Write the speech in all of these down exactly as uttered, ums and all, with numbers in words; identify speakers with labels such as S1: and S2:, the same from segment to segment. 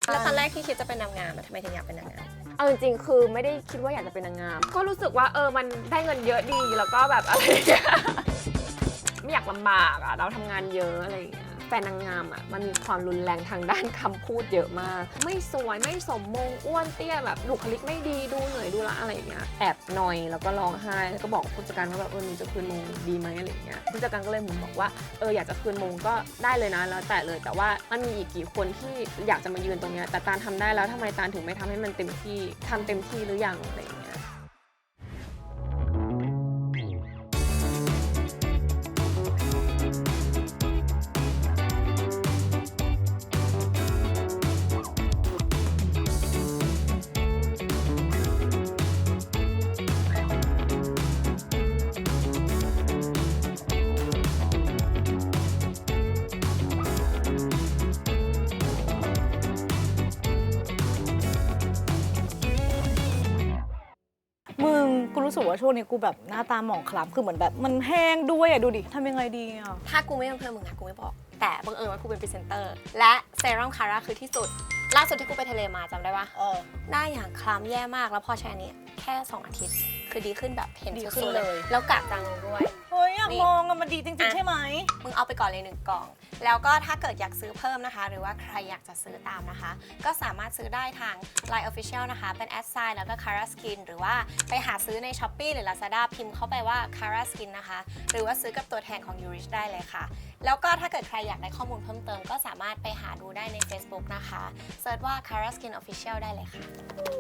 S1: แล้วตอนแรกที่คิดจะเป็นนางงามทำไมถึงอยากเป็นนางงาม
S2: เอาจริงๆคือไม่ได้คิดว่าอยากจะเป็นนางงามก็รู้สึกว่าเออมันได้เงินเยอะดีแล้วก็แบบอะไรอย่างเงี้ยไม่อยากลำบากอ่ะเราทำงานเยอะอะไรอย่างเงี้ยแฟนนางงามอ่ะมันมีความรุนแรงทางด้านคำพูดเยอะมากไม่สวยไม่สมมงอ้วนเตี้ยแบบบุคลิกไม่ดีดูเหนื่อยดูละอะไรอย่างเงี้ยแอบหน่อยแล้วก็ร้องไห้แล้วก็บอกผู้จัดการว่าแบบเออหนูจะคืนมงดีไหมอะไรอย่างเงี้ยผู้จัดการก็เลยเหมือนบอกว่าเอออยากจะคืนมงก็ได้เลยนะแล้วแต่เลยแต่ว่ามันมีอีกกี่คนที่อยากจะมายืนตรงเนี้ยแต่ตาลทำได้แล้วทำไมตาลถึงไม่ทำให้มันเต็มที่ทำเต็มที่หรือยังอะไรอย่างเงี้ย
S3: มึงกูรู้สึกว่าช่วงนี้กูแบบหน้าตาหมองคล้ำคือเหมือนแบบมันแห้งด้วยอ่ะดูดิทำยังไงดีอ่ะ
S1: ถ้ากูไม่เป็นเพื่อนมึงนะกูไม่บอกแต่บังเอิญว่ากูเป็นพรีเซนเตอร์และเซรั่มคาร่าคือที่สุดล่าสุดที่กูไปทะเลมาจำได้ปะ
S3: เออ
S1: หน้าอย่างคล้ำแย่มากแล้วพอใช้อันนี้แค่สองอาทิตย์คือดีขึ้นแบบเห็น
S3: ดี
S1: สุ
S3: ขึ้น
S1: ดๆ
S3: เลย
S1: แล้วกระจางลงด้วย
S3: เฮ้ยอยาก
S1: นี่
S3: มองอะมันดีจริง
S1: อ่ะ
S3: ๆ ใช่ไหม
S1: มึงเอาไปก่อนเลยหนึ่งกล่อง แล้วก็ถ้าเกิดอยากซื้อเพิ่มนะคะ หรือว่าใครอยากจะซื้อตามนะคะ ก็สามารถซื้อได้ทาง ไลน์ Official นะคะ เป็น แอด ไซน์ แล้วก็ Cara Skin หรือว่าไปหาซื้อใน Shopee หรือ Lazada พิมพ์เข้าไปว่า Cara Skin นะคะ หรือว่าซื้อกับตัวแทนของ Yourish ได้เลยค่ะ แล้วก็ถ้าเกิดใครอยากได้ข้อมูลเพิ่มเติมก็สามารถไปหาดูได้ใน Facebook นะคะเซิร์ชว่า Cara Skin Official ได้เลยค่ะ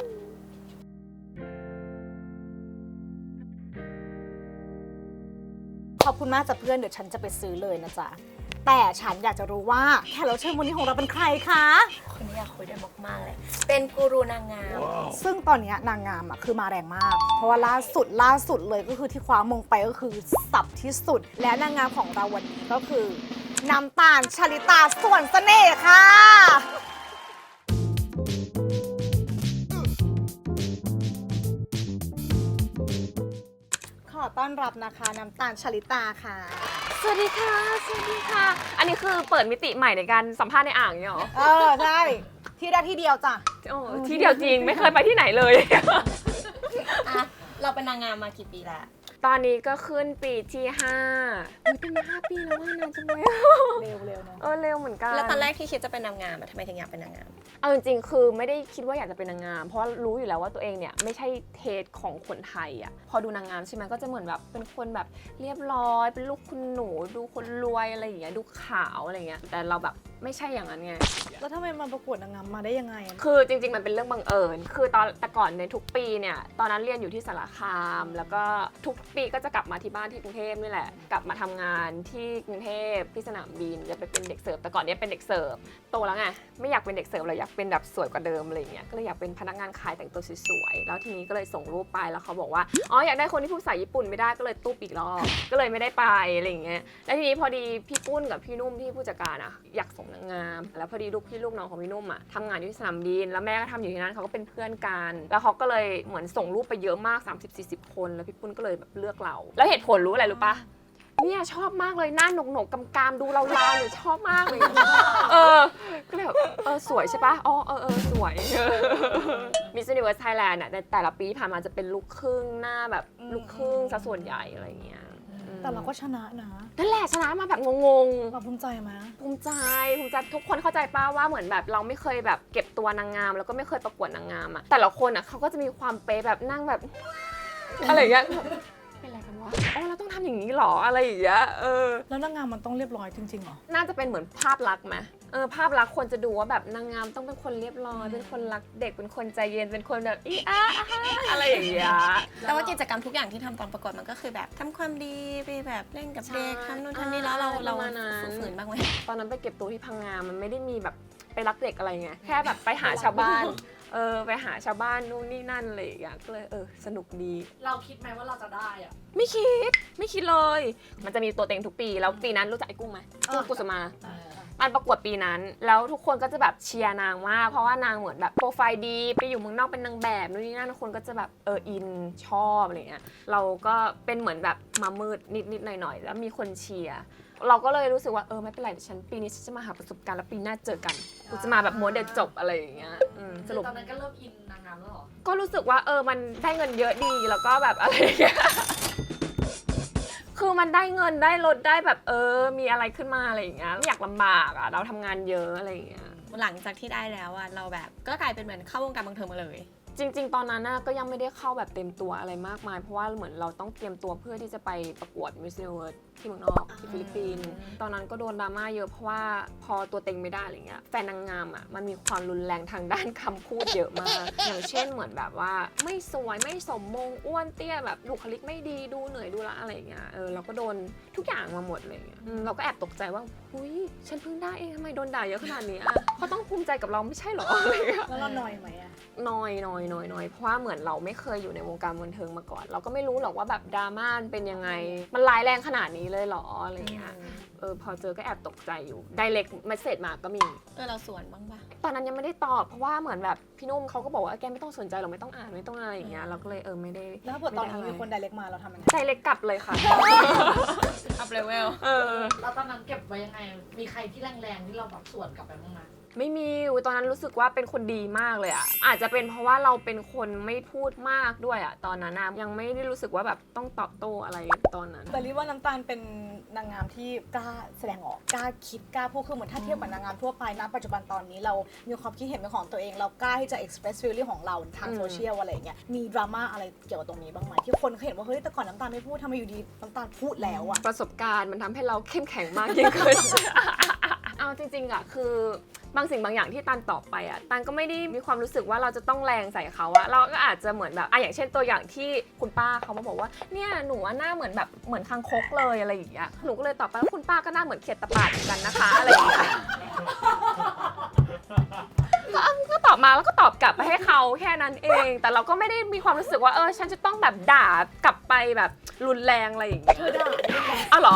S3: ขอบคุณมากจ้ะเพื่อนเดี๋ยวฉันจะไปซื้อเลยนะจ๊ะแต่ฉันอยากจะรู้ว่าแขกรับเชิญวันนี้ของเราเป็นใครคะ
S1: คนนี้อยากคุยด้วยมากๆเลย เป็นกูรูนางงาม
S3: ซึ่งตอนนี้นางงามอ่ะคือมาแรงมาก เพราะว่าล่าสุดล่าสุดเลยก็คือที่คว้ามงไปก็คือสับที่สุด และนางงามของเราวันนี้ก็คือน้ำตาลชลิตาส่วนเสน่ห์ค่ะ ขอต้อนรับนะคะน้ำตาลชลิตาค่ะ
S2: สวัสดีค่ะสวัสดีค่ะ อันนี้คือเปิดมิติใหม่ในการสัมภาษณ์ในอ่างเนี่ยเหรอ
S3: เออ ใช่ ที่ได้ที่เดียวจ้ะ
S2: โอ้ที่เดียวจริงไม่เคยไปที่ไหนเลย
S1: อ่ะ เราเป็นนางงามมากี่ปีแล้ว
S2: ตอนนี้ก็ขึ้นปีที่ห้าอุ๊ยเป็นมาห้าปีแล้วว่านานจังเลย
S3: เร็วเร็วเนาะ
S2: เออเร็วเหมือนกัน
S1: แล้วตอนแรกที่คิดจะเป็นนางงามอะทำไมถึงอยากเป็นนางงาม
S2: เอาจริงๆคือไม่ได้คิดว่าอยากจะเป็นนางงาม เพราะรู้อยู่แล้วว่าตัวเองเนี่ยไม่ใช่เทสของคนไทยอ่ะพอดูนางงามใช่ไหมก็จะเหมือนแบบเป็นคนแบบเรียบร้อยเป็นลูกคุณหนูดูคนรวยอะไรอย่างเงี้ยดูขาวอะไรอย่างเงี้ยแต่เราแบบไม่ใช่อย่างนั้นไง
S3: แล้วทำไมมาประกวดนางงามมาได้ยังไงอะ
S2: คือจริงๆ มันเป็นเรื่องบังเอิญ คือตอนแต่ก่อนในทุกปีเนี่ยตอนนั้นเรียนอยู่ที่สารคาม แล้วก็ทุกปีก็จะกลับมาที่บ้านที่กรุงเทพนี่แหละ กลับมาทำงานที่กรุงเทพที่สนามบินจะไปเป็นเด็กเสิร์ฟแต่ก่อนเนี้ยเป็นเด็กเสิร์ฟโตแล้วไงไม่อยากเป็นเด็กเสิร์ฟเลยอยากเป็นแบบสวยกว่าเดิมอะไรอย่างเงี้ยก็เลยอยากเป็นพนักงานขายแต่งตัวสวยๆแล้วทีนี้ก็เลยส่งรูปไปแล้วเขาบอกว่าอ๋ออยากได้คนที่พูดภาษาญี่ปุ่นไม่ได้ก็เลยตุ๊บอีกรอบก็เลยไม่ได้ไปอะไรอย่างเงี้ยแล้วทีนี้พอดีพี่ปุ้นกับพี่นุ่มที่ผู้จัดการอะอยากส่งนางงามแล้วพอดีลูกพี่ลูกน้องของพี่นุ่มอะทำงานอยู่ที่สนามบินแล้วแม่ก็ทำอยู่ที่นั่นเขาก็เป็นเพื่อนกันแล้วเขาก็เลยเหมือนส่งรูปไปเยอะมาก สามสิบสี่สิบ คนแล้วพี่ปุ้นก็เลยแบบเลือกเราแล้วเหตุผลรู้อะไรรู้ปะเนี่ยชอบมากเลยหน้าหนกหนกกำกามดูเราลาวเนี่ยชอบมากเลยเออก็เลยแบบเออสวยใช่ปะอ๋อเออเออสวย มิสซิ n นิเวิร์สไทยแลนด์อะในแต่ละปีที่ผ่านมาจะเป็นลูกครึ่งหน้าแบบลูกครึ่งซะส่วนใหญ่อะไรอย่างเงี้ย
S3: แต่เราก็ชนะนะ
S2: นั่นแหละชนะมาแบบงง
S3: เราภูมิใจไหม
S2: ๆภูมิใจภูมิใจทุกคนเข้าใจป้าว่าเหมือนแบบเราไม่เคยแบบเก็บตัวนางงามแล้วก็ไม่เคยประกวดนางงามอะแต่ละคนอะเขาก็จะมีความเป๊ะแบบนั่งแบบ อะไรอย่างเงี้ยเป็นอะไรกันวะอ๋อเราต้องทำอย่างนี้หรออะไรอย่างเงี้ยเออ
S3: แล้วนางงามมันต้องเรียบร้อยจริงๆเหรอ
S2: น่าจะเป็นเหมือนภาพลักษณ์ไหมเออภาพลักษณ์คนจะดูว่าแบบนางงามต้องเป็นคนเรียบร้อยเป็นคนรักเด็กเป็นคนใจเย็นเป็นคนแบบอีอาอะไรอย่างเงี้ย
S1: แต่ว่ากิจกรรมทุกอย่างที่ทำตอนประกวดมันก็คือแบบทำความดีไปแบบเล่นกับเด็ก
S2: ใช่
S1: ทำนู่นทำนี่แล้วเราเรา
S2: ประมาณนั้น
S1: ฝืนบ้างไหม
S2: ตอนนั้นไปเก็บตัวที่พังงา มันไม่ได้มีแบบไปรักเด็กอะไรไง แค่แบบไปหาชาวบ้าน เออไปหาชาวบ้านนู่นนี่นั่นอะไรอย่างเงี้ยก็เลยเออสนุกดี
S4: เราคิดไหมว่าเราจะได้อะ
S2: ไม่คิด ไม่คิดเลย มันจะมีตัวเต็งทุกปี แล้วปีนั้นรู้จักไอ้กุ้งไหมกุ้งกุสมา มันประกวดปีนั้น แล้วทุกคนก็จะแบบเชียร์นางมาก เพราะว่านางเหมือนแบบโปรไฟล์ดี ไปอยู่เมืองนอกเป็นนางแบบนู่นนี่นั่นคนก็จะแบบเอออินชอบอะไรเงี้ย เราก็เป็นเหมือนแบบมามืดนิดๆหน่อยๆ แล้วมีคนเชียร์เราก็เลยรู้สึกว่าเออไม่เป็นไรเดี๋ยวฉันปีนี้ฉันจะมาหาประสบการณ์แล้วปีหน้าเจอกันกูจะมาแบบม้วนเด็ดจบอะไรอย่างเงี้ยอืมสรุป
S4: ตอนนั้นก็เริ่มอินนางงามแล้วเหรอ
S2: ก็รู้สึกว่าเออมันได้เงินเยอะดีแล้วก็แบบอะไรอย่างเงี้ย คือมันได้เงินได้รถได้แบบเออมีอะไรขึ้นมาอะไรอย่างเงี้ยไม่อยากลำบากอ่ะเราทำงานเยอะอะไรอย่างเงี้ย
S1: หลังจากที่ได้แล้วอะเราแบบก็กลายเป็นเหมือนเข้าวงการบันเทิงมาเลย
S2: จริงๆ ตอนนั้นน่ะก็ยังไม่ได้เข้าแบบเต็มตัวอะไรมากมาย เพราะว่าเหมือนเราต้องเตรียมตัวเพื่อที่จะไปประกวด Miss Universe ที่เมืองนอกที่ฟิลิปปินส์ตอนนั้นก็โดนดราม่าเยอะเพราะว่าพอตัวเต็งไม่ได้อะไรเงี้ยแฟนนางงามอ่ะมันมีความรุนแรงทางด้านคำพูดเยอะมาก อย่างเช่นเหมือนแบบว่าไม่สวยไม่สมมงอ้วนเตี้ยแบบบุคลิกไม่ดีดูเหนื่อยดูละอะไรเงี้ยเออเราก็โดนทุกอย่างมาหมดเลยเงี้ยอืมเราก็แอบตกใจว่าหุยฉันเพิ่งได้เองทำไมโดนด่าเยอะขนาดนี้อ่ะเขาต้องภูมิใจกับเราไม่ใช่หรออะไรเงี้ย
S3: แล้วเราหน่อยไหมอะ
S2: น้อยน้อยน้อยน้อยเพราะว่าเหมือนเราไม่เคยอยู่ในวงการบันเทิงมาก่อน เราก็ไม่รู้หรอกว่าแบบดราม่ามันเป็นยังไง มันร้ายแรงขนาดนี้เลยเหรออะไรเงี้ยเออพอเจอก็แอบตกใจอยู่ไดเรกเมสเซจมาก็มี
S1: เออเราสวนบ้างปะ
S2: ตอนนั้นยังไม่ได้ตอบเพราะว่าเหมือนแบบพี่นุ่มเขาก็บอกว่าแกไม่ต้องสนใจหรอกไม่ต้องอ่านไม่ต้องอะไรอย่างเงี้ยเราก็เลยเออไม่ได้
S3: แล้วถ้าเกิดตอนนี้มีคนไดเรกมาเราทำยังไง
S2: ไดเรกกลับเลยค่ะ
S1: อัพเลเวล
S2: เออ
S4: แล้วตอนนั้นเก็บไว้ยังไง มีใครที่แรงๆที่เราแบบสวนกลับไปบ้างไหม
S2: ไม่มีอุ๊ยตอนนั้นรู้สึกว่าเป็นคนดีมากเลยอะอาจจะเป็นเพราะว่าเราเป็นคนไม่พูดมากด้วยอะตอนนั้นนะยังไม่ได้รู้สึกว่าแบบต้องตอบโต้อะไรตอนนั้น
S3: แต่รีว่าน้ำตาลเป็นนางงามที่กล้าแสดงออกกล้าคิดกล้าพูดคือเหมือนถ้าเทียบกับนางงามทั่วไปนะปัจจุบันตอนนี้เรามีความคิดเห็นเป็นของตัวเองเรากล้าที่จะ express feeling ของเราทาง
S2: อืม
S3: โซเชียลอะไรอย่างเงี้ยมีดราม่าอะไรเกี่ยวกับตรงนี้บ้างไหมที่คนเขาเห็นว่าเฮ้ยแต่ก่อนน้ำตาลไม่พูดทำไมอยู่ดีน้ำตาลพูดแล้วอะ
S2: ประสบการณ์มันทำให้เราเข้มแข็งมากยิ่งขึ้น เอาจริงๆอะคือบางสิ่งบางอย่างที่ตันตอบไปอะตันก็ไม่ได้มีความรู้สึกว่าเราจะต้องแรงใส่เขาอะเราก็อาจจะเหมือนแบบอะอย่างเช่นตัวอย่างที่คุณป้าเขามาบอกว่าเนี่ยหนูว่าหน้าเหมือนแบบเหมือนคางคกเลยอะไรอย่างเงี้ยหนูก็เลยตอบไปว่าคุณป้าก็หน้าเหมือนเขียดตะปาดเหมือนกันนะคะอะไรอย่างเงี้ย ก็ก็ตอบมาแล้วก็ตอบกลับไปให้เขาแค่นั้นเอง แต่เราก็ไม่ได้มีความรู้สึกว่าเออฉันจะต้องแบบด่ากลับไปแบบรุนแรงอะไรอย่างเงี้ย
S3: เธอด่า
S2: อ้าวเหรอ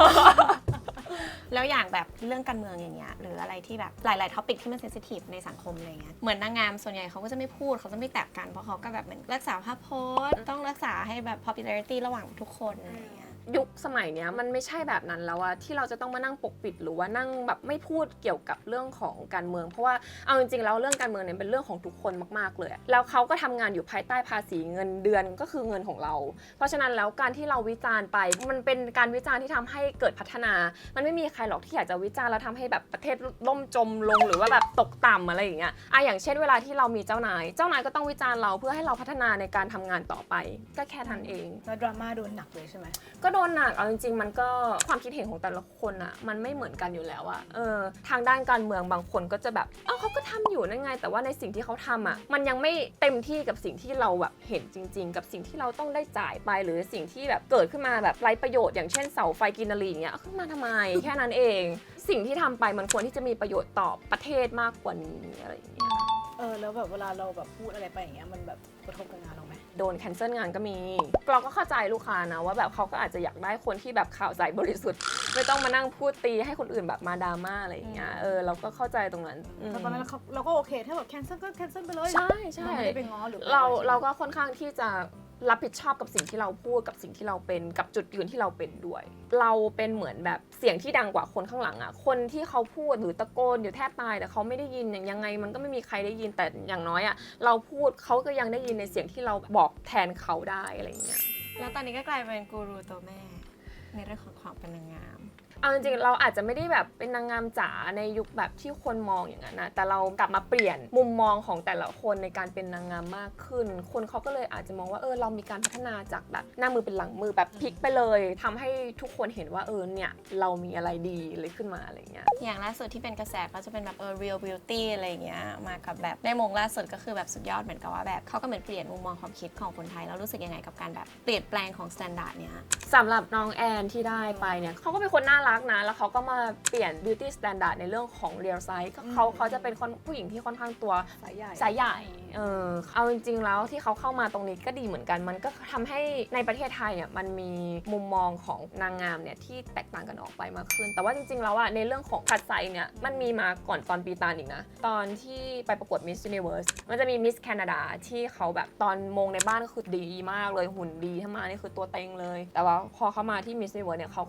S1: แล้วอย่างแบบเรื่องการเมืองอย่างเงี้ยหรืออะไรที่แบบหลายๆท็อปิกที่มันเซนซิทีฟในสังคมอะไรเงี้ยเหมือนนางงามส่วนใหญ่เขาก็จะไม่พูดเขาจะไม่แตะกันเพราะเขาก็แบบเหมือนรักษาภาพโพสต์ต้องรักษาให้แบบ popularity ระหว่างทุกคนอะไรเงี้ย
S2: ยุคสมัยเนี้ยมันไม่ใช่แบบนั้นแล้วอะที่เราจะต้องมานั่งปกปิดหรือว่านั่งแบบไม่พูดเกี่ยวกับเรื่องของการเมือง เพราะว่าเอาจริงๆแล้วเรื่องการเมืองเนี่ยเป็นเรื่องของทุกคนมากๆเลยอะแล้วเขาก็ทำงานอยู่ภายใต้ภาษีเงินเดือนก็คือเงินของเรา เพราะฉะนั้นแล้วการที่เราวิจารณ์ไปมันเป็นการวิจารณ์ที่ทำให้เกิดพัฒนา มันไม่มีใครหรอกที่อยากจะวิจารณ์แล้วทำให้แบบประเทศล่มจมลงหรือว่าแบบตกต่ำอะไรอย่างเงี้ยอะอย่างเช่นเวลาที่เรามีเจ้านาย เจ้านายก็ต้องวิจารณ์เราเพื่อให้เราพัฒนาในการทำงานต่อไป ก็แค่นั้นเอง
S3: แล้วดราม่าโดนหนักเลยใช่ไหม
S2: ก็โดนหนักเอาจริงๆมันก็ความคิดเห็นของแต่ละคนอะมันไม่เหมือนกันอยู่แล้วอะเออทางด้านการเมืองบางคนก็จะแบบเอ้าเขาก็ทำอยู่นั่นไงแต่ว่าในสิ่งที่เขาทำอะมันยังไม่เต็มที่กับสิ่งที่เราแบบเห็นจริง ๆ กับสิ่งที่เราต้องได้จ่ายไปหรือสิ่งที่แบบเกิดขึ้นมาแบบไร้ประโยชน์อย่างเช่นเสาไฟกินนารีอย่างเงี้ยเอาขึ้นมาทำไม แค่นั้นเอง สิ่งที่ทำไปมันควรที่จะมีประโยชน์ต่อประเทศมากกว่านี้อะไรอย่างเงี้ย
S3: เออแล้วแบบเวลาเราแบบพูดอะไรไปอย่างเงี้ยมันแบบกระทบกับงานเราไหม
S2: โดนแคนเซิลงานก็มี เราก็เข้าใจลูกค้านะว่าแบบเขาก็อาจจะอยากได้คนที่แบบข่าวใสบริสุทธิ์ ไม่ต้องมานั่งพูดตีให้คนอื่นแบบมาดราม่าอะไรอย่างเงี้ย เออเราก็เข้าใจตรงนั้นอืม
S3: แต่ตอนนั้นเขาเราก็โอเคถ้าแบบแคนเซิลก็แคนเซิลไปเลย
S2: ใช่ใช่
S3: เราไม่ได้ไปง้อหรือ
S2: เรา
S3: อะไรใช่ไหม
S2: เราก็ค่อนข้างที่จะรับผิดชอบกับสิ่งที่เราพูดกับสิ่งที่เราเป็นกับจุดยืนที่เราเป็นด้วย เราเป็นเหมือนแบบเสียงที่ดังกว่าคนข้างหลังอ่ะคนที่เขาพูดหรือตะโกนอยู่แทบตายแต่เขาไม่ได้ยินอย่างยังไงมันก็ไม่มีใครได้ยินแต่อย่างน้อยอ่ะเราพูดเขาก็ยังได้ยินในเสียงที่เราบอกแทนเขาได้อะไรอย่างเงี้ย
S1: แล้วตอนนี้ก็กลายเป็นกูรูตัวแม่ในเรื่องของความเป็นนางงาม
S2: เอาจริงๆเราอาจจะไม่ได้แบบเป็นนางงามจ๋าในยุคแบบที่คนมองอย่างนั้นนะแต่เรากลับมาเปลี่ยนมุมมองของแต่ละคนในการเป็นนางงามมากขึ้น คนเขาก็เลยอาจจะมองว่าเออเรามีการพัฒนาจากแบบหน้ามือเป็นหลังมือแบบพลิกไปเลยทำให้ทุกคนเห็นว่าเออเนี่ยเรามีอะไรดีเลยขึ้นมาอะไรเงี้ย
S1: อย่างล่าสุดที่เป็นกระแสก็จะเป็นแบบเออ real beauty อะไรอย่างเงี้ยมากับแบบในมงล่าสุดก็คือแบบสุดยอดเหมือนกับว่าแบบเขาก็เหมือนเปลี่ยนมุมมองความคิดของคนไทยแล้วรู้สึกยังไงกับการแบบเปลี่ยนแปลงของ standard เนี้ย
S2: สำหรับน้องแอนที่ได้ไปเนี่ยเขาก็เป็นคนน่ารักนะแล้วเขาก็มาเปลี่ยน beauty standard ในเรื่องของ real size ก็เขาเขาจะเป็นคนผู้หญิงที่ค่อนข้างตัว
S3: สายใหญ่
S2: สายใหญ่เออเอาจริงๆแล้วที่เขาเข้ามาตรงนี้ก็ดีเหมือนกัน มันก็ทำให้ในประเทศไทยอ่ะมันมีมุมมองของนางงามเนี่ยที่แตกต่างกันออกไปมากขึ้น แต่ว่าจริงๆแล้วอ่ะในเรื่องของคัดไซส์เนี่ยมันมีมาก่อนตอนปีตาลอีกนะ ตอนที่ไปประกวด Miss Universe มันจะมี Miss Canada ที่เขาแบบตอนมงในบ้านก็คือดีมากเลยหุ่นดีถ้ามานี่คือตัวเต็งเลย แต่ว่าพอเขามาที่ Miss Universe เนี่ยเขาก็แบบ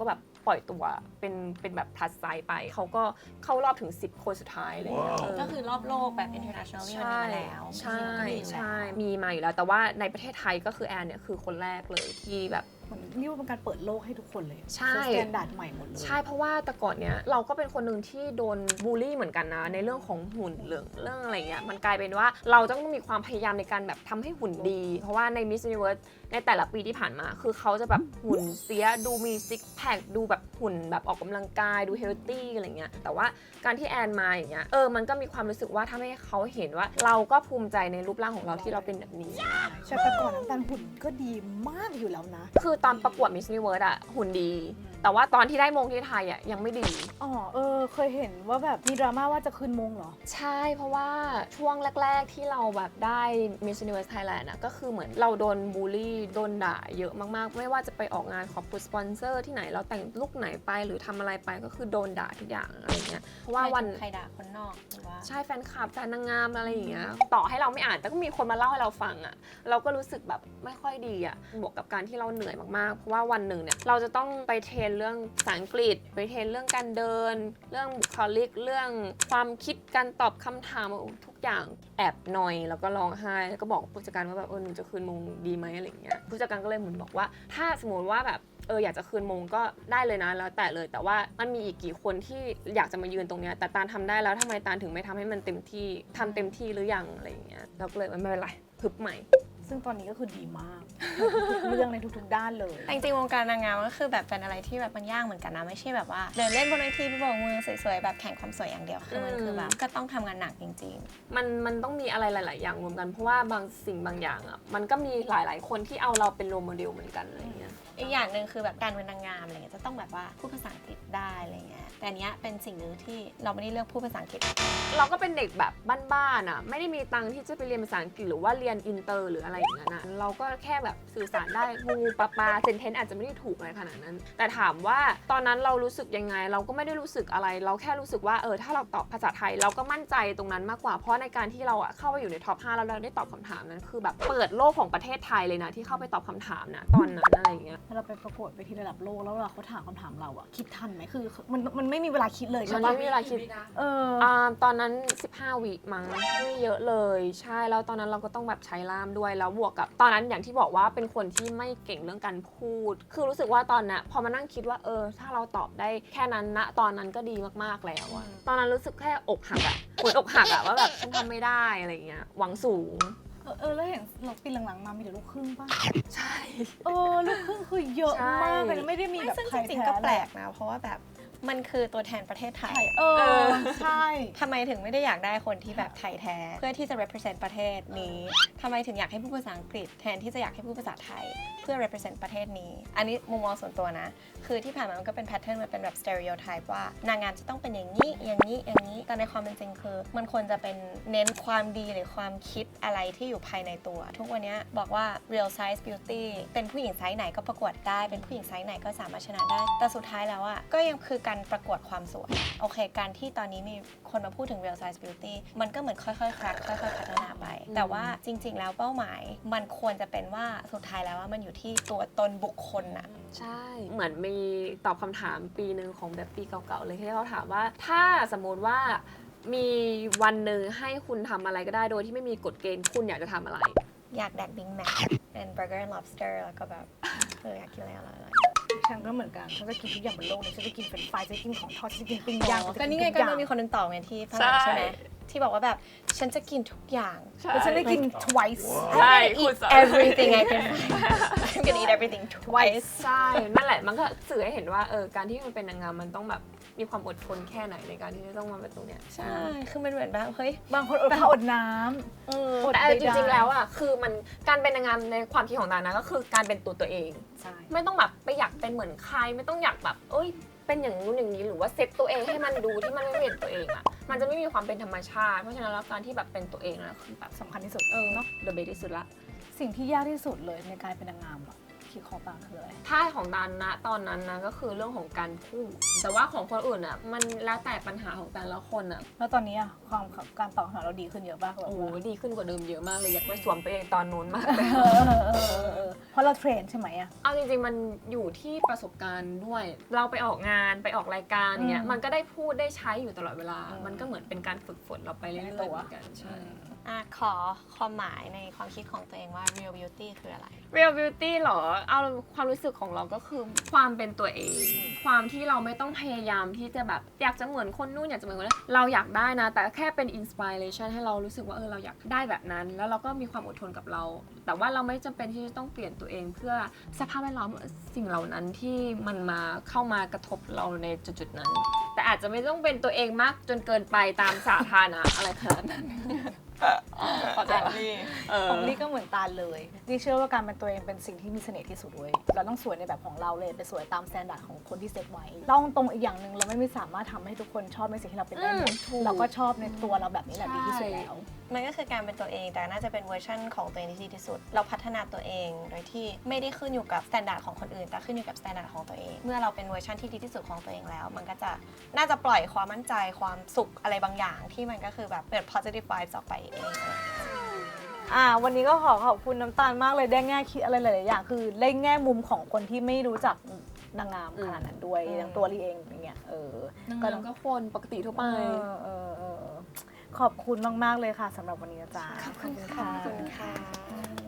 S2: ปล่อยตัวเป็นเป็นแบบ plus size ไปเขาก็เข้ารอบถึงสิบคนสุดท้ายอะไรเลยเออ
S1: ก็คือรอบโลกแบบ international มันมีมาแล้ว
S2: ใช่
S1: มันก็มีอยู่แล้ว
S2: ใช่มีมาอยู่แล้วแต่ว่าในประเทศไทยก็คือแอนเนี่ยคือคนแรกเลยที่แบบ
S3: เหมือนนี่ว่าเป็นการเปิดโลกให้ทุกคนเลย
S2: ใช่
S3: สแตนดาร์ดใหม่หมดเลย
S2: ใช่เพราะว่าแต่ก่อนเนี้ยเราก็เป็นคนหนึ่งที่โดนบูลลี่เหมือนกันนะในเรื่องของหุ่นเรื่องเรื่องอะไรเงี้ยมันกลายเป็นว่าเราต้องมีความพยายามในการแบบทำให้หุ่นดี เพราะว่าใน Miss Universe ในแต่ละปีที่ผ่านมาคือเขาจะแบบหุ่นเสียดูมีซิกแพคดูแบบหุ่นแบบออกกำลังกายดูเฮลตี้อะไรเงี้ยแต่ว่าการที่แอนมาอย่างเงี้ยเออมันก็มีความรู้สึกว่าทำให้เขาเห็นว่าเราก็ภูมิใจในรูปร่างของเราที่เราเป็นแบบนี้
S3: ใช่แต่ก่อนน้ำตาลหุ่นก็ดีมากอยู่แล้วนะ
S2: คือตอนประกวด Miss Universe อะหุ่นดี แต่ว่าตอนที่ได้มงที่ไทยอะยังไม่ดี
S3: อ๋อเออเคยเห็นว่าแบบมีดราม่าว่าจะคืนมงเหรอ
S2: ใช่เพราะว่าช่วงแรก ๆ ที่เราแบบได้ Miss Universe Thailand อะก็คือเหมือนเราโดนบูลลี่โดนด่าเยอะมากๆ ไม่ว่าจะไปออกงานขอบคุณสปอนเซอร์ที่ไหนเราแต่งลุคไหนไปหรือทำอะไรไปก็คือโดนด่าทุกอย่างอะไรเงี้ยเพราะว่าวัน
S1: ใครด่าคนนอกหรือว่า
S2: ใช่แฟนคลับแฟนนางงามอะไรอย่างเงี้ยต่อให้เราไม่อ่านแต่ก็มีคนมาเล่าให้เราฟังอะเราก็รู้สึกแบบไม่ค่อยดีอะบวกกับการที่เราเหนื่อยมากๆเพราะว่าวันหนึ่งเนี่ยเราจะต้องไปเทรนเรื่องภาษาอังกฤษไปเทรนเรื่องการเดิน เรื่องบุคลิกเรื่องความคิดการตอบคำถามทุกอย่างแอบหน่อยแล้วก็ร้องไห้แล้วก็บอกผู้จัดการว่าแบบเออหนูจะคืนมงดีไหมอะไรอย่างเงี้ยผู้จัดการก็เลยเหมือนบอกว่าถ้าสมมติว่าแบบเอออยากจะคืนมงก็ได้เลยนะแล้วแต่เลยแต่ว่ามันมีอีกกี่คนที่อยากจะมายืนตรงเนี้ยแต่ตาลทำได้แล้วทำไมตาลถึงไม่ทำให้มันเต็มที่ทำเต็มที่หรือยังอะไรอย่างเงี้ยเราก็เลยไม่เป็นไรฮึบใหม่
S3: ซึ่งตอนนี้ก็คือดีมากทุกเรื่องในทุกๆด้านเลย
S1: แต่จริงๆวงการนางงามก็คือแบบเป็นอะไรที่แบบมันยากเหมือนกันนะไม่ใช่แบบว่าเดินเล่นบนเวทีไปโบกมือสวยๆแบบแข่งความสวยอย่างเดียวคือมันคือแบบก็ต้องทำงานหนักจริง
S2: มันมันต้องมีอะไรหลาย ๆ อย่างรวมกันเพราะว่าบางสิ่งบางอย่างอ่ะมันก็มีหลาย ๆ คนที่เอาเราเป็นโรลโมเดลเหมือนกันอะไรอย่างเงี้ย
S1: ๆ อีกอย่างหนึ่งคือแบบการเป็นนางงามอะไรเงี้ยจะต้องแบบว่าพูดภาษาอังกฤษได้อะไรเงี้ยแต่อันเนี้ยเป็นสิ่งหนึ่งที่เราไม่ได้เลือกพูดภาษาอังกฤษ
S2: เราก็เป็นเด็กแบบบ้านๆอ่ะไม่ได้มีตังค์ที่จะไปเรียนภาษาอังกฤษหรือว่าเรียนอินเตอร์หรืออะไรอย่างเงี้ยนะเราก็แค่แบบสื่อสารได้งูปลาปลาเซนเทนอาจจะไม่ได้ถูกอะไรขนาดนั้น แต่ถามว่าตอนนั้นเรารู้สึกยังไงเราก็ไม่ได้รู้สึกอะไร เราแค่รู้สึกว่าเออถ้าเราตอบภาษาไทยเราก็มั่นใจตรงนั้นมากกว่าเพราะในการที่เราอ่ะเข้าไปอยู่ในท็อปห้าแล้วเราได้ตอบคำถามนั้นคือแบบเปิดโลกของประเทศไทยเลยนะที่เข้าไปตอบคำถามนะตอนนั้นอะไรอย่างเงี้ย
S3: ถ้าเราไปประกวดไปที่ระดับโลกแล้วเวลาเขาถามคำถามเราอะคิดทันไหมคือมันมันไม่มีเวลาคิดเลย
S2: มั
S3: ใช่
S2: น
S3: ปะ
S2: ไม่มีเวลาคิด
S3: เออ
S2: อ่าตอนนั้นสิบห้าวิมั้งไม่เยอะเลยใช่แล้วตอนนั้นเราก็ต้องแบบใช้ล่ามด้วยแล้วบวกกับตอนนั้นอย่างที่บอกว่าเป็นคนที่ไม่เก่งเรื่องการพูด คือรู้สึกว่าตอนน่ะพอมานั่งคิดว่าเออถ้าเราตอบได้แค่นั้นนะตอนนั้นก็ดีมากๆแล้วอะตอนนั้นรู้สึกแค่อกหักอะเหมือนอกหักอะว่าแบบฉันทำไม่ได้อะไรเงี้ยหวังสูง
S3: เออเออแล้วเห็นเราปีหลังๆมามีแต่ลูกครึ่งป่ะ
S2: ใช่
S3: เออลูกครึ่งคือเยอะมากเลยนะไม่ได้มีแบบ
S1: ซึ่ง
S3: ใคร
S1: จริง
S3: แท้
S1: ๆก็แปลกนะเพราะว่าแบบมันคือตัวแทนประเทศไทย
S3: เออใช่
S1: ทำไมถึงไม่ได้อยากได้คนที่แบบไทยแท้ เพื่อที่จะ represent ประเทศนี้ทำไมถึงอยากให้พูดภาษาอังกฤษแทนที่จะอยากให้พูดภาษาไทย เพื่อ represent ประเทศนี้ อันนี้มุมมองส่วนตัวนะ คือที่ผ่านมามันก็เป็น pattern มันเป็นแบบ stereotype ว่านางงามจะต้องเป็นอย่างนี้ อย่างนี้ อย่างนี้ แต่ในความเป็นจริงคือ มันควรจะเป็นเน้นความดีหรือความคิดอะไรที่อยู่ภายในตัว ทุกวันนี้บอกว่า real size beauty เป็นผู้หญิงไซส์ไหนก็ประกวดได้ เป็นผู้หญิงไซส์ไหนก็สามารถชนะได้ แต่สุดท้ายแล้วอ่ะก็ยังคือการประกวดความสวย โอเค การที่ตอนนี้มีคนมาพูดถึง real size beauty มันก็เหมือนค่อยๆ crack ค่อยๆ พัฒนาไป แต่ว่าจริง ๆ แล้วเป้าหมายมันควรจะเป็นว่าสุดท้ายแล้วว่ามันอยู่ที่ตัวตนบุคคลน่ะ
S2: ใช่ เหมือนมีตอบคำถามปีหนึ่งของแบบปีเก่าๆเลยที่เขาถามว่าถ้าสมมติว่ามีวันหนึ่งให้คุณทำอะไรก็ได้โดยที่ไม่มีกฎเกณฑ์คุณอยากจะทำอะไร
S1: อยากแดก Big Mac and burger and lobster แล้วก็แบบเอออยากกินอะไรอร่อย
S3: ฉันก็เหมือนกันฉันจะกินทุกอย่างบนโลกนี้ฉันจะกินเฟรนช์ฟรายฉันจะกินของทอดฉันจะกินปิ้ง
S1: ๆ
S3: ย่าง
S1: อ๋อ
S3: ฉั
S1: ก็
S3: จะ
S1: นี่ไง
S3: ทุ
S1: ก็
S3: อย่า
S1: มันมีคนหนึงตอบไงที่ฝรั่งใช่ไหมที่บอกว่าแบบฉันจะกินทุกอย่าง
S3: แล้วฉันได้กิน twice
S2: ใช่
S1: I'm
S2: คุ
S1: gonna
S2: ณ
S1: eat everything I can find I'm gonna eat everything twice
S2: ใช่ นั่นแหละ มันก็สื่อให้เห็นว่าเออการที่มันเป็นนางงามมันต้องแบบมีความอดทนแค่ไหนในการที่จะต้องมาเป็นตรงเนี้ย
S1: ใช่ คือมันเหมือนแบบเฮ้ย
S3: บางคนอดข้าวอดน้
S1: เออ
S3: ำอด
S2: แต่
S3: ใดๆ
S2: จริงๆแล้วอ่ะคือมันการเป็นนางงามในความคิดของตานะก็คือการเป็นตัวตัวเอง
S3: ใช่
S2: ไม่ต้องแบบไปอยากเป็นเหมือนใครไม่ต้องอยากแบบเอ้ยเป็นอย่างนู้นอย่างนี้หรือว่าเซตตัวเองให้มันดูที่มันไม่เป็นตัวเองอ่ะมันจะไม่มีความเป็นธรรมชาติเพราะฉะนั้นแล้วการที่แบบเป็นตัวเองนะคือแบบ
S3: สำคัญที่สุด
S2: เออ
S3: เนาะ
S2: the best ที่สุดละ
S3: สิ่งที่ยากที่สุดเลยในการเป็นนางงามอะคิดของต่างคืออะไร
S2: ถ้าของดันนะตอนนั้นนะก็คือเรื่องของการพูดแต่ว่าของคนอื่นอ่ะมันแล้วแต่ปัญหาของแต่ละคนอ่ะ
S3: แล้วตอนนี้อะความการตอบคำถามเราดีขึ้นเยอะมากเลย
S2: โอ้โหดีขึ้นกว่าเดิมเยอะมากเลยอยากไปสวมตัวเองตอนนู้นมากเลย
S3: เออเออเออเออเพราะเราเทรนใช่ไหมอะ
S2: เอาจริงๆมันอยู่ที่ประสบการณ์ด้วย เราไปออกงานไปออกรายการเงี้ย
S3: อืม
S2: มันก็ได้พูดได้ใช้อยู่ตลอดเวลา
S3: อืม
S2: มันก็เหมือนเป็นการฝึกฝนเราไปเรื่อยๆ
S3: ใน
S2: เห
S3: ตัว
S2: มือนกันใช่
S1: อ่ะขอความหมายในความคิดของตัวเองว่า real beauty คืออะไร
S2: real beauty เหรอ เอาความรู้สึกของเราก็คือความเป็นตัวเอง ความที่เราไม่ต้องพยายามที่จะแบบอยากจะเหมือนคนนู้นอยากจะเหมือนคนนี้เราอยากได้นะ แต่แค่เป็น inspiration ให้เรารู้สึกว่าเออเราอยากได้แบบนั้น แล้วเราก็มีความอดทนกับเรา แต่ว่าเราไม่จำเป็นที่จะต้องเปลี่ยนตัวเองเพื่อสภาพแวดล้อมสิ่งเหล่านั้นที่มันมาเข้ามากระทบเราในจุดๆนั้น แต่อาจจะไม่ต้องเป็นตัวเองมากจนเกินไปตามสาธารณะอะไรขนาดนั้นเข้าใจปะเออ
S3: ของลี่ก็เหมือนตาลเลยลี่เชื่อว่าการเป็นตัวเองเป็นสิ่งที่มีเสน่ห์ที่สุดเว้ยเราต้องสวยในแบบของเราเลยไปสวยตามสแตนดาร์ดของคนที่เซตไว้ต้องตรงอีกอย่างหนึ่งเราไม่สามารถทำให้ทุกคนชอบในสิ่งที่เราเป็นได้หมด
S2: อืมถูก
S3: เราก็ชอบในตัวเราแบบนี้แหละดีที่สุดแล้ว
S1: มันก็คือการเป็นตัวเองแต่น่าจะเป็นเวอร์ชั่นของตัวเองที่ดีที่สุด เราพัฒนาตัวเองโดยที่ไม่ได้ขึ้นอยู่กับมาตรฐานของคนอื่น แต่ขึ้นอยู่กับมาตรฐานของตัวเอง เมื่อเราเป็นเวอร์ชันที่ดีที่สุดของตัวเองแล้ว มันก็จะน่าจะปล่อยความมั่นใจความสุขอะไรบางอย่าง ที่มันก็คือแบบเปิด positive vibes ออกไปเอง
S3: อ่าวันนี้ก็ขอขอบคุณน้ำตาลมากเลยได้แง่คิดอะไรหลายๆอย่างคือได้แง่มุมของคนที่ไม่รู้จักนางงามขนาดนั้นด้วย
S1: อืม
S3: อย่างตัวลีเองอย่างเงี้ยเออ
S2: นาง
S3: ก็
S2: งามก็คนปกติทั่วไป
S3: เออเออเออขอบคุณมากๆเลยค่ะสำหรับวันนี้นะจ๊ะ
S1: ขอบคุณค่ะ